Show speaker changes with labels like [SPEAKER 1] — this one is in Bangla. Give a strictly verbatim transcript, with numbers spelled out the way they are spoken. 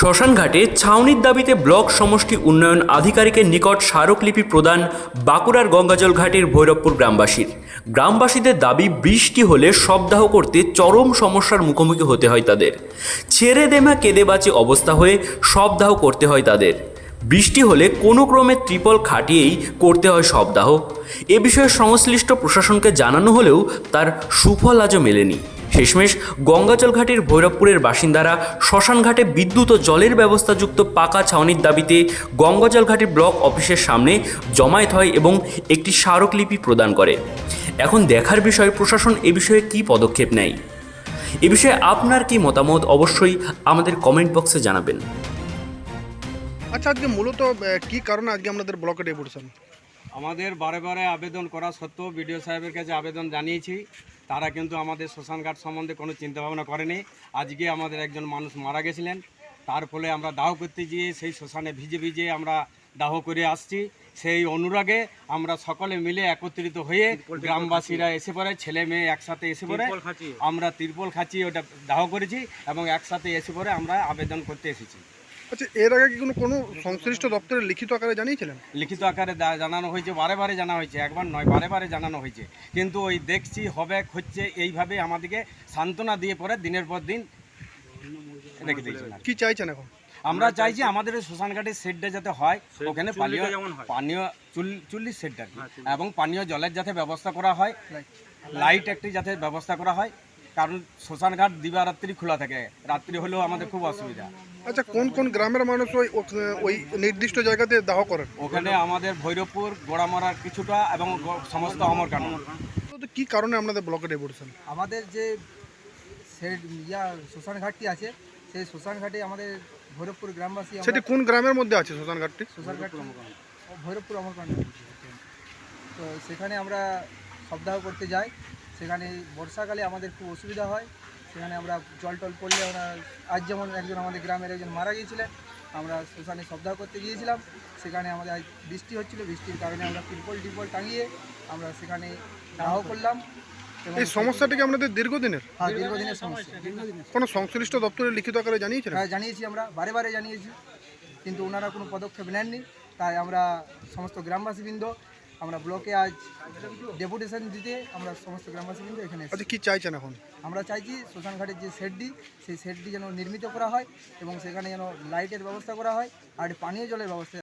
[SPEAKER 1] শ্মশানঘাটে ছাউনির দাবিতে ব্লক সমষ্টি উন্নয়ন আধিকারিকের নিকট স্মারকলিপি প্রদান বাঁকুড়ার গঙ্গাজল ঘাটের ভৈরবপুর গ্রামবাসীর। গ্রামবাসীদের দাবি, বৃষ্টি হলে শবদাহ করতে চরম সমস্যার মুখোমুখি হতে হয় তাদের। ছেড়ে দেমা কেঁদে বাঁচে অবস্থা হয়ে শবদাহ করতে হয় তাদের। বৃষ্টি হলে কোনো ক্রমে ত্রিপল খাটিয়েই করতে হয় শবদাহ। এ বিষয়ে সংশ্লিষ্ট প্রশাসনকে জানানো হলেও তার সুফল আজও মেলেনি। শেষমেশ গঙ্গাজল ঘাটের ভৈরবপুরের বাসিন্দারা শ্মশানঘাটে বিদ্যুৎ ও জলের ব্যবস্থাযুক্ত পাকা ছাউনির দাবিতে গঙ্গাজল ঘাটের ব্লক অফিসের সামনে জমায়েত হয় এবং একটি স্মারকলিপি প্রদান করে। এখন দেখার বিষয় প্রশাসন এ বিষয়ে কী পদক্ষেপ নেয়। এ বিষয়ে আপনার কি মতামত অবশ্যই আমাদের কমেন্ট বক্সে জানাবেন।
[SPEAKER 2] আচ্ছা, আজকে মূলত কি কারণে আজকে আমাদের ব্লকে ডেপুটেশন?
[SPEAKER 3] আমাদের বারে বারে আবেদন করা সত্ত্বেও বিডিও সাহেবের কাছে আবেদন জানিয়েছি, তারা কিন্তু আমাদের শ্মশানঘাট সম্বন্ধে কোনো চিন্তাভাবনা করেনি। আজকে আমাদের একজন মানুষ মারা গেছিলেন, তার ফলে আমরা দাহ করতে গিয়ে সেই শ্মশানে ভিজে ভিজে আমরা দাহ করে আসছি। সেই অনুরাগে আমরা সকলে মিলে একত্রিত হয়ে গ্রামবাসীরা এসে পড়ে, ছেলে মেয়ে একসাথে এসে পড়ে আমরা তিরপল খাঁচিয়ে ওটা দাহ করেছি এবং একসাথে এসে পড়ে আমরা আবেদন করতে এসেছি।
[SPEAKER 2] আচ্ছা, এর আগে কি কোনো কোনো সংশ্লিষ্ট দপ্তরে লিখিত আকারে জানিয়েছিলেন?
[SPEAKER 3] লিখিত আকারে জানানো হয়েছে, বারে বারে জানা হয়েছে, একবার নয় বারে বারে জানানো হয়েছে, কিন্তু ওই দেখছি হবে হচ্ছে এইভাবে আমাদেরকে সান্ত্বনা দিয়ে পরে দিনের পর দিন রেখে দিয়েছেন।
[SPEAKER 2] কি চাইছেন এখন?
[SPEAKER 3] আমরা চাইছি আমাদের শ্মশানঘাটের শেডটা যাতে হয়, ওখানে পানীয় পানীয় চল্লিশ শেডটা এবং পানীয় জলের যাতে ব্যবস্থা করা হয়, লাইট একটি যাতে ব্যবস্থা করা হয়, কারণ শ্মশানঘাট দিবারাত্রি খোলা থাকে, রাত্রি হলেও আমাদের খুব অসুবিধা।
[SPEAKER 2] আচ্ছা, কোন কোন গ্রামের মানুষ ওই ওই নির্দিষ্ট জায়গাতে দাহ করেন?
[SPEAKER 3] ওখানে আমাদের ভৈরবপুর, গোড়ামারার কিছুটা এবং সমস্ত অমরকানন।
[SPEAKER 2] তো কি কারণে আপনাদের ব্লকে ডেপুটেশন?
[SPEAKER 4] আমাদের যে শেড ইয়া শ্মশানঘাটটি আছে, সেই শ্মশানঘাটে আমাদের ভৈরবপুর গ্রামবাসী।
[SPEAKER 2] সেটি কোন গ্রামের মধ্যে আছে শ্মশানঘাটটি?
[SPEAKER 4] শ্মশানঘাট ভৈরবপুর অমরকানন। তো সেখানে আমরা শবদাহ করতে যাই। সেখানে বর্ষাকালে আমাদের খুব অসুবিধা হয়, সেখানে আমরা জল টল পড়লে আমরা, আজ যেমন একজন আমাদের গ্রামের একজন মারা গিয়েছিলেন, আমরা শ্মশানে শবদাহ করতে গিয়েছিলাম। সেখানে আমাদের আজ বৃষ্টি হচ্ছিল, বৃষ্টির কারণে আমরা ত্রিপল টিপল টাঙিয়ে আমরা সেখানে দাহ করলাম।
[SPEAKER 2] এই সমস্যাটি কি আপনাদের দীর্ঘদিনের?
[SPEAKER 4] হ্যাঁ, দীর্ঘদিনের সমস্যা।
[SPEAKER 2] কোনো সংশ্লিষ্ট দপ্তরে লিখিত আকারে জানিয়েছেন?
[SPEAKER 4] হ্যাঁ, জানিয়েছি, আমরা বারে বারে জানিয়েছি, কিন্তু ওনারা কোনো পদক্ষেপ নেননি। তাই আমরা সমস্ত গ্রামবাসীবৃন্দ আমরা ব্লকে আজ ডেপুটেশন দিতে আমরা সমস্ত গ্রামবাসীবৃন্দ এখানে এসেছি।
[SPEAKER 2] আচ্ছা, কি চাইছেন এখন?
[SPEAKER 4] আমরা চাইছি শ্মশানঘাটের যে শেডটি, সেই শেডটি যেন নির্মিত করা হয় এবং সেখানে যেন লাইটের ব্যবস্থা করা হয় আর পানীয় জলের ব্যবস্থা